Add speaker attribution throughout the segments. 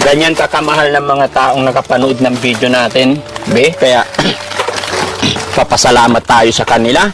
Speaker 1: Ganyan kakamahal ng mga taong nakapanood ng video natin, be. Kaya, papasalamat tayo sa kanila.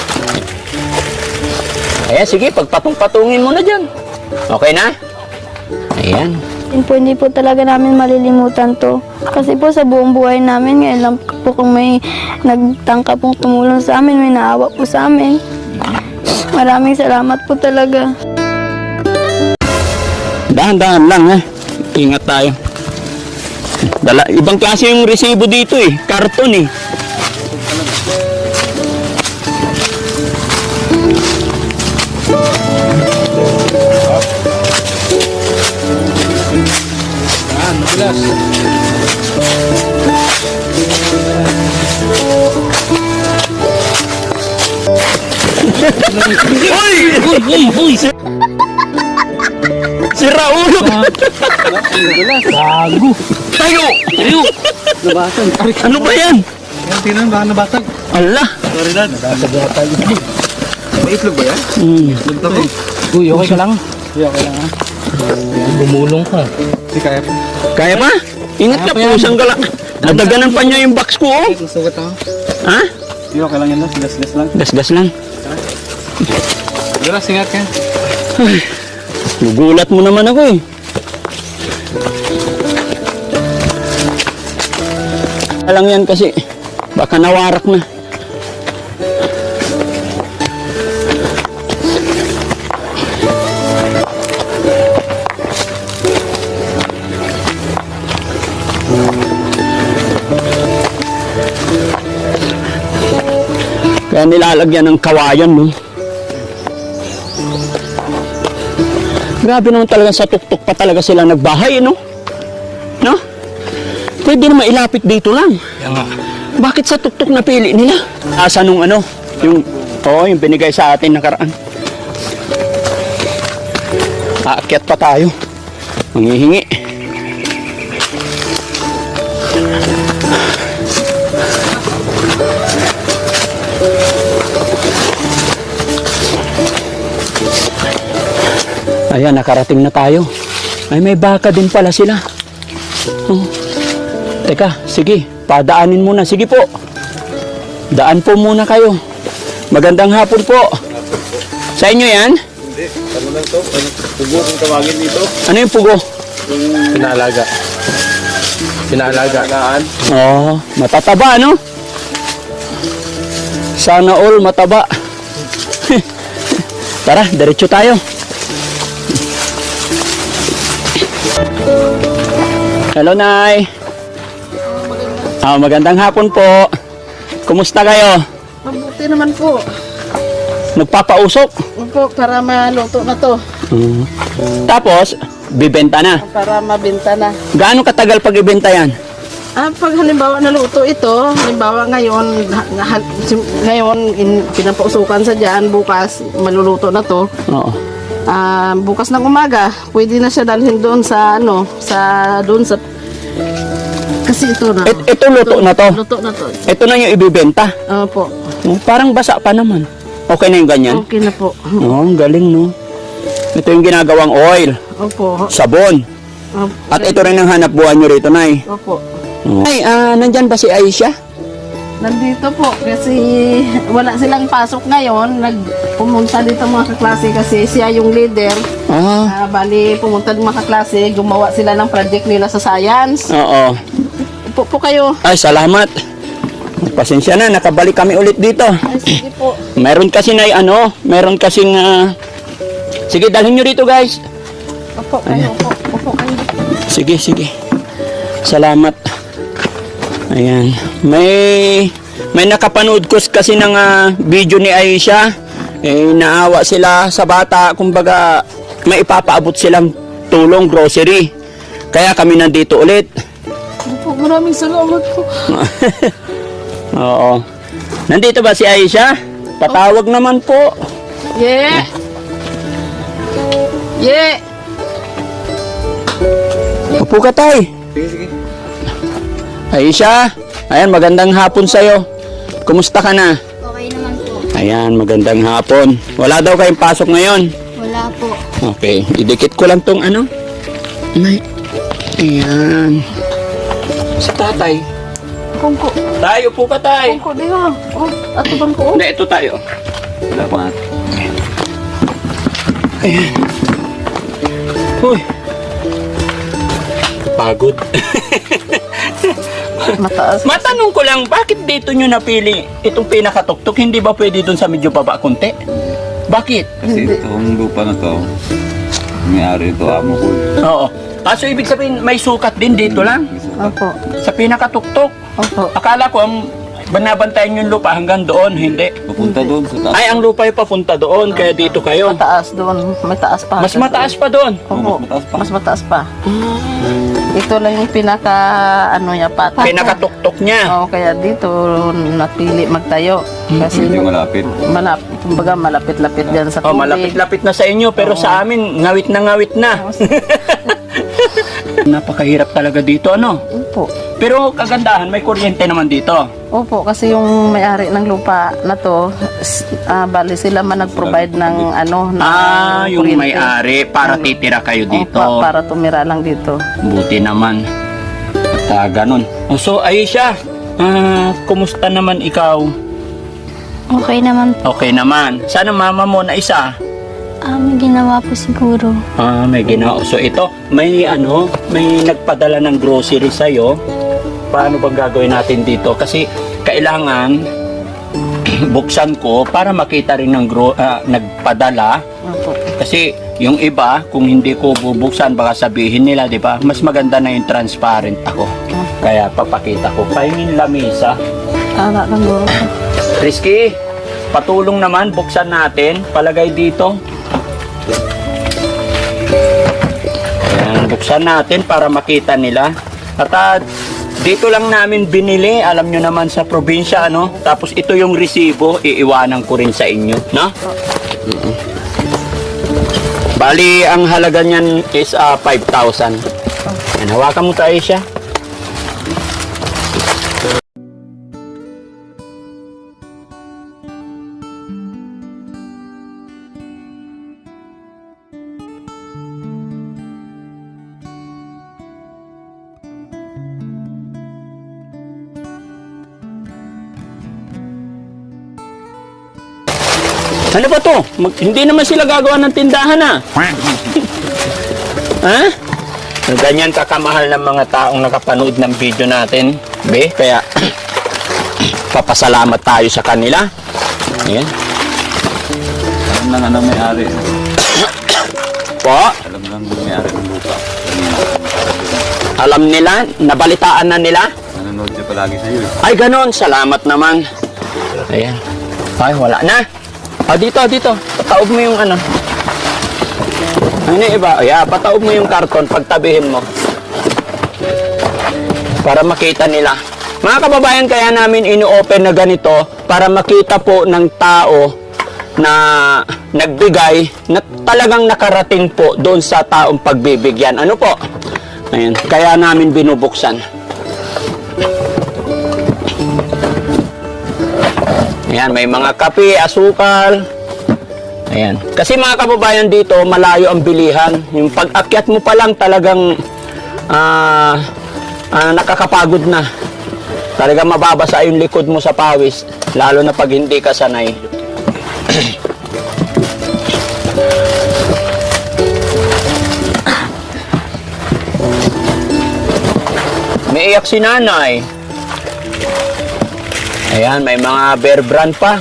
Speaker 1: Ayan, sige, pagpatong-patungin mo na dyan. Okay na? Ayan.
Speaker 2: Hindi po talaga namin malilimutan to. Kasi po sa buong buhay namin, ngayon lang po kung may nagtangka pong tumulong sa amin, may naawa po sa amin. Maraming salamat po talaga.
Speaker 1: Dahan-dahan lang, ha? Ingat tayo. Ibang klase yung resibo dito, eh. Karton, eh.
Speaker 3: Madulas.
Speaker 1: Uy! Si Raulo!
Speaker 3: Madulas. Bago.
Speaker 1: Tayo!
Speaker 3: Nabasag.
Speaker 1: Ano ba yan?
Speaker 3: Yan, tinan, baka nabasag.
Speaker 1: Allah!
Speaker 3: Sorry, Dad. Nabasag yata yun. May itlog ba yan? Itlog to.
Speaker 1: Uy, okay ka lang?
Speaker 3: Uy, okay lang ha.
Speaker 1: Bumulong ka.
Speaker 3: Hindi kaya pa.
Speaker 1: Kaya pa? Ingat ka, pusang gala. Nadaganan pa niya yung box ko, oh.
Speaker 3: Nasugat ako.
Speaker 1: Ha?
Speaker 3: Hindi, okay lang yan, Dad. Gas-gas lang.
Speaker 1: Gas-gas lang.
Speaker 3: Madulas, ingat ka.
Speaker 1: Nagulat mo naman ako, eh. Alang yan kasi baka nawarak na. Kaya nilalagyan ng kawayan, no? Grabe naman talaga, sa tuktok pa talaga sila nagbahay, no? No? Pwede naman ilapit dito lang.
Speaker 3: Yan nga.
Speaker 1: Bakit sa tuktok napili nila? Asa nung ano? Yung binigay sa atin nakaraan. Aakyat pa tayo. Manghihingi. Ayan, nakarating na tayo. Ay, may baka din pala sila. Oh. Teka, sige, padaanin muna. Sige po. Daan po muna kayo. Magandang hapon po. Sa inyo yan?
Speaker 3: Hindi, ano lang to? Pugo kung tawagin dito.
Speaker 1: Ano yung pugo?
Speaker 3: Pinaalaga. Pinaalagaan.
Speaker 1: Oh, matataba, no? Sana all mataba. Tara, diretso tayo. Hello, Nay. Magandang hapon po. Kumusta kayo?
Speaker 4: Mabuti naman po.
Speaker 1: Nagpapausok?
Speaker 4: Opo, para maluto na to.
Speaker 1: Tapos, bibenta na.
Speaker 4: Para mabenta na.
Speaker 1: Gaano katagal pag ibenta yan?
Speaker 4: Pag halimbawa naluto ito, halimbawa ngayon pinapausukan sa dyan, bukas maluluto na to.
Speaker 1: Oo.
Speaker 4: Bukas ng umaga, pwede na siya dalhin doon sa kasi ito na.
Speaker 1: Ito luto na to.
Speaker 4: Luto na to.
Speaker 1: Ito na yung ibibenta.
Speaker 4: Opo.
Speaker 1: Parang basa pa naman. Okay na yung ganyan?
Speaker 4: Okay na po.
Speaker 1: Ang galing, no? Ito yung ginagawang oil,
Speaker 4: Opo.
Speaker 1: sabon.
Speaker 4: Opo.
Speaker 1: At ito rin ang hanap buhay nyo rito, Nay.
Speaker 4: Opo.
Speaker 1: Ay, nandyan ba si Aisha?
Speaker 4: Nandito po kasi wala silang pasok ngayon. Nagpumunta dito mga kaklase kasi siya yung leader. Bali, pumunta ng mga kaklase, gumawa sila ng project nila sa science.
Speaker 1: Oo.
Speaker 4: Upo po kayo.
Speaker 1: Ay, salamat. Pasensya na, nakabalik kami ulit dito.
Speaker 4: Ay, sige po.
Speaker 1: Meron kasi meron kasing, sige, dalhin nyo rito, guys.
Speaker 4: Upo kayo, upo kayo.
Speaker 1: Sige. Salamat. Ayan. May nakapanood ko kasi ng video ni Aisha. Naawa sila sa bata. Kumbaga, may ipapaabot silang tulong, grocery. Kaya kami nandito ulit.
Speaker 4: Opo, maraming salamat po.
Speaker 1: Oo. Nandito ba si Aisha? Patawag naman po.
Speaker 4: Yeah. Yeah.
Speaker 1: Upo ka, tay.
Speaker 3: Sige.
Speaker 1: Aisha, ayan, magandang hapon sa'yo. Kumusta ka na?
Speaker 2: Okay naman po.
Speaker 1: Ayan, magandang hapon. Wala daw kayong pasok ngayon.
Speaker 2: Wala po.
Speaker 1: Okay, idikit ko lang tong ano. May, Ayan. Si tatay.
Speaker 4: Kungko.
Speaker 1: Tayo po ka, tay.
Speaker 4: Kungko, di ba? Oh, ato bang ko?
Speaker 1: Hindi, ito tayo.
Speaker 3: Salamat.
Speaker 1: Ayan. Uy. Pagod.
Speaker 4: Mataas.
Speaker 1: Matanong ko lang, bakit dito nyo napili itong pinakatuktok? Hindi ba pwede dun sa medyo baba konti? Bakit?
Speaker 3: Kasi itong lupa na to, may-ari ito, amo ko.
Speaker 1: Oo. So ibig sabihin, may sukat din dito lang?
Speaker 4: Opo.
Speaker 1: Sa pinakatuktok?
Speaker 4: Opo.
Speaker 1: Akala ko ang banabantayan yung lupa hanggang doon, hindi.
Speaker 3: Papunta doon sa taas.
Speaker 1: Ay, ang lupa ay papunta doon, kaya dito kayo.
Speaker 4: Mataas doon. May taas pa.
Speaker 1: Mas mataas pa doon.
Speaker 4: Opo.
Speaker 3: Mas mataas pa.
Speaker 4: Mas mataas pa. Ito lang yung pinaka ano niya pata.
Speaker 1: Pinakatuktok niya.
Speaker 4: Oo, kaya dito napili magtayo. Kasi
Speaker 3: Medyo malapit.
Speaker 4: kumbaga malapit-lapit diyan sa
Speaker 1: Oh,
Speaker 4: tubig.
Speaker 1: malapit-lapit na sa inyo, pero sa amin, ngawit na ngawit na. Napakahirap talaga dito, ano?
Speaker 4: Opo.
Speaker 1: Pero kagandahan, may kuryente naman dito.
Speaker 4: Opo, kasi yung may-ari ng lupa na to, bali sila man nag-provide ng ano, na
Speaker 1: Yung
Speaker 4: kuryente.
Speaker 1: may-ari, para titira kayo dito.
Speaker 4: Opo, para tumira lang dito.
Speaker 1: Buti naman. At ganun. So, Aisha, kumusta naman ikaw?
Speaker 2: Okay naman po.
Speaker 1: Okay naman. Sana mama mo na isa.
Speaker 2: May ginawa po siguro.
Speaker 1: May ginawa. So, ito, may nagpadala ng grocery sa'yo. Paano bang gagawin natin dito? Kasi, kailangan buksan ko para makita rin ng nagpadala.
Speaker 4: Opo.
Speaker 1: Kasi yung iba, kung hindi ko bubuksan, baka sabihin nila, di ba? Mas maganda na yung transparent ako. Kaya papakita ko. Pahingin lamisa.
Speaker 4: Tara lang bro.
Speaker 1: Risky, patulong naman, buksan natin. Palagay dito. Ayan, buksan natin para makita nila. At dito lang namin binili, alam nyo naman sa probinsya, ano? Tapos ito yung resibo, iiwanan ko rin sa inyo, no? Bali, ang halaga niyan is 5,000. Yan, hawakan mo tayo siya. Ano ba to? Hindi naman sila gagawa ng tindahan, ha? Ganyan kakamahal ng mga taong nakapanood ng video natin, be. Kaya, papasalamat tayo sa kanila. Ayan.
Speaker 3: Alam lang ano may-ari.
Speaker 1: Po,
Speaker 3: Alam lang may-ari ng lupa.
Speaker 1: alam nila, nabalitaan na nila.
Speaker 3: Nanonood siya palagi sa iyo.
Speaker 1: Ay, ganon. Salamat naman. Ayan. Ay, wala na. Dito. Pataob mo yung ano. Ano yung iba? Pataob mo yung karton. Pagtabihin mo. Para makita nila. Mga kababayan, kaya namin ino-open na ganito para makita po ng tao na nagbigay na talagang nakarating po doon sa taong pagbibigyan. Ano po? Ayan. Kaya namin binubuksan. Ayan, may mga kape, asukal. Ayan. Kasi mga kababayan dito, malayo ang bilihan. Yung pag-akyat mo pa lang talagang nakakapagod na. Talagang mababasa yung likod mo sa pawis. Lalo na pag hindi ka sanay. May iyak si nanay. Ayan, may mga Bear Brand pa.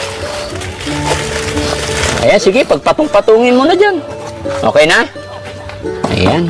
Speaker 1: Ayan, sige, pagpatong-patungin mo na dyan. Okay na? Ayan.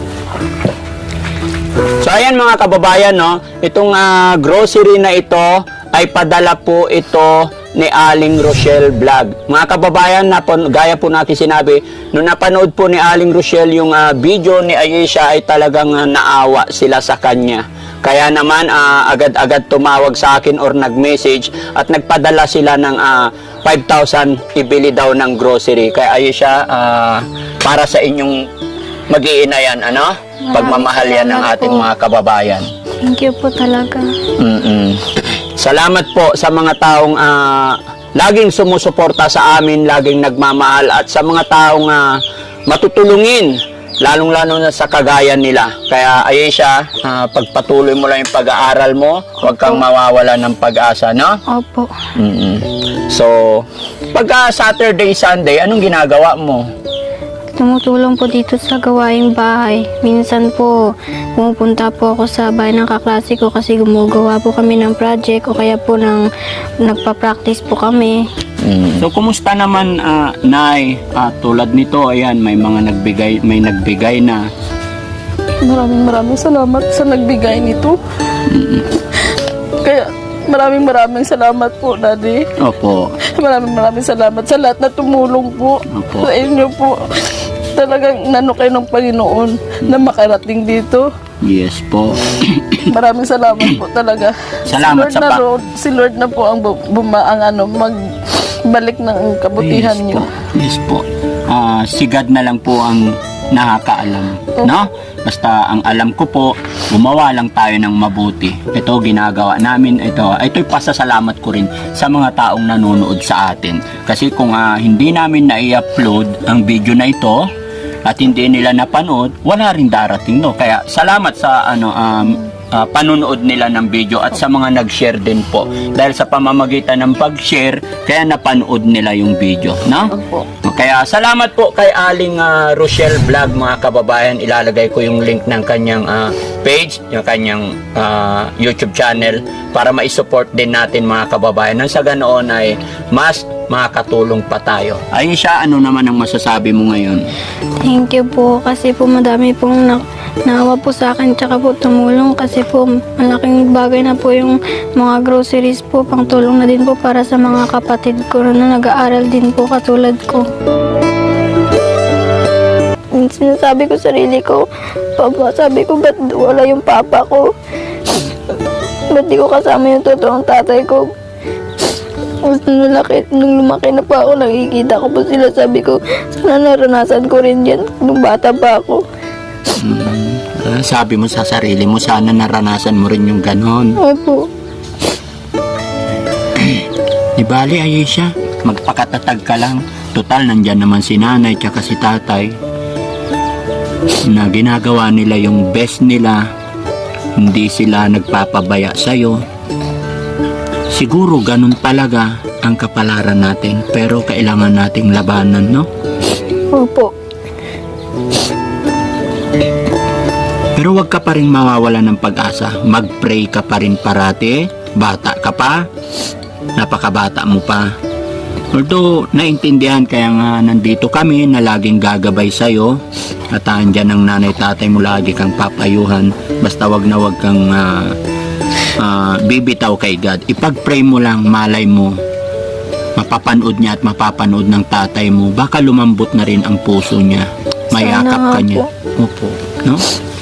Speaker 1: So, ayan mga kababayan, no? Itong grocery na ito ay padala po ito ni Aling Rochelle Vlog. Mga kababayan, gaya po natin sinabi, nung napanood po ni Aling Rochelle yung video ni Aisha ay talagang naawa sila sa kanya. Kaya naman agad-agad tumawag sa akin or nag-message at nagpadala sila ng 5,000 ibili daw ng grocery. Kaya Aisha, para sa inyong mag-iina yan, ano? Pagmamahal yan ng ating mga kababayan.
Speaker 2: Thank you po talaga.
Speaker 1: Salamat po sa mga taong laging sumusuporta sa amin, laging nagmamahal at sa mga taong matutulungin lalong-lalo na sa kagayan nila. Kaya Aisha, pagpatuloy mo lang yung pag-aaral mo, huwag kang mawawala ng pag-asa, no?
Speaker 2: Opo.
Speaker 1: So, pagka Saturday, Sunday, anong ginagawa mo?
Speaker 2: Tumutulong po dito sa gawaing bahay. Minsan po, pumupunta po ako sa bahay ng kaklase ko kasi gumagawa po kami ng project o kaya po nagpa-practice po kami.
Speaker 1: So, kumusta naman, Nay? Tulad nito, ayan, may nagbigay na.
Speaker 4: Maraming salamat sa nagbigay nito. Kaya maraming salamat po, Daddy.
Speaker 1: Opo.
Speaker 4: Maraming salamat sa lahat na tumulong po
Speaker 1: Opo.
Speaker 4: sa inyo po. Talagang nano kayo ng Panginoon na makarating dito.
Speaker 1: Yes po.
Speaker 4: Maraming salamat po talaga.
Speaker 1: Salamat
Speaker 4: si Lord si Lord na po ang magbalik ng kabutihan
Speaker 1: Yes
Speaker 4: niyo.
Speaker 1: po. Yes po. Si God na lang po ang nakakaalam. No? Basta ang alam ko po, gumawa lang tayo ng mabuti. Ito ginagawa namin. Ito'y pasasalamat ko rin sa mga taong nanonood sa atin. Kasi kung hindi namin na-i-upload ang video na ito at hindi nila napanood, wala rin darating, no? Kaya salamat sa panonood nila ng video at sa mga nag-share din po. Dahil sa pamamagitan ng pag-share, kaya napanood nila yung video, no?
Speaker 4: Opo.
Speaker 1: Kaya salamat po kay Aling Rochelle Vlog, mga kababayan. Ilalagay ko yung link ng kanyang page, yung kanyang YouTube channel para ma-support din natin, mga kababayan. Nang sa ganoon ay mas makakatulong pa tayo. Aisha, ano naman ang masasabi mo ngayon?
Speaker 2: Thank you po kasi po madami pong naawa po sa akin tsaka po tumulong kasi po malaking bagay na po yung mga groceries po, pang tulong na din po para sa mga kapatid ko na nag-aaral din po katulad ko. Sinasabi ko sarili ko, Papa, sabi ko, ba't wala yung papa ko? Ba't di ko kasama yung totoong tatay ko? Nung lumaki na pa ako, nakikita ko po sila, sabi ko, sana naranasan ko rin yan nung bata pa ako.
Speaker 1: Sabi mo sa sarili mo, sana naranasan mo rin yung ganon.
Speaker 2: Opo.
Speaker 1: Di bali, Aisha, magpakatatag ka lang. Total, nandyan naman si nanay tsaka si tatay na ginagawa nila yung best nila. Hindi sila nagpapabaya sa'yo. Siguro ganun talaga ang kapalaran natin, pero kailangan nating labanan, no?
Speaker 2: Opo.
Speaker 1: Pero wag ka pa rin mawawala ng pag-asa. Mag-pray ka pa rin parati. Bata ka pa. Napakabata mo pa. Although, naintindihan kaya nga nandito kami na laging gagabay sa'yo. At andyan ang nanay tatay mo, lagi kang papayuhan. Basta wag na wag kang bibitaw kay God. Ipag-pray mo lang, malay mo. Mapapanood niya at mapapanood ng tatay mo. Baka lumambot na rin ang puso niya. Mayakap
Speaker 2: Sana
Speaker 1: ka
Speaker 2: nga
Speaker 1: niya.
Speaker 2: po.
Speaker 1: Opo. No?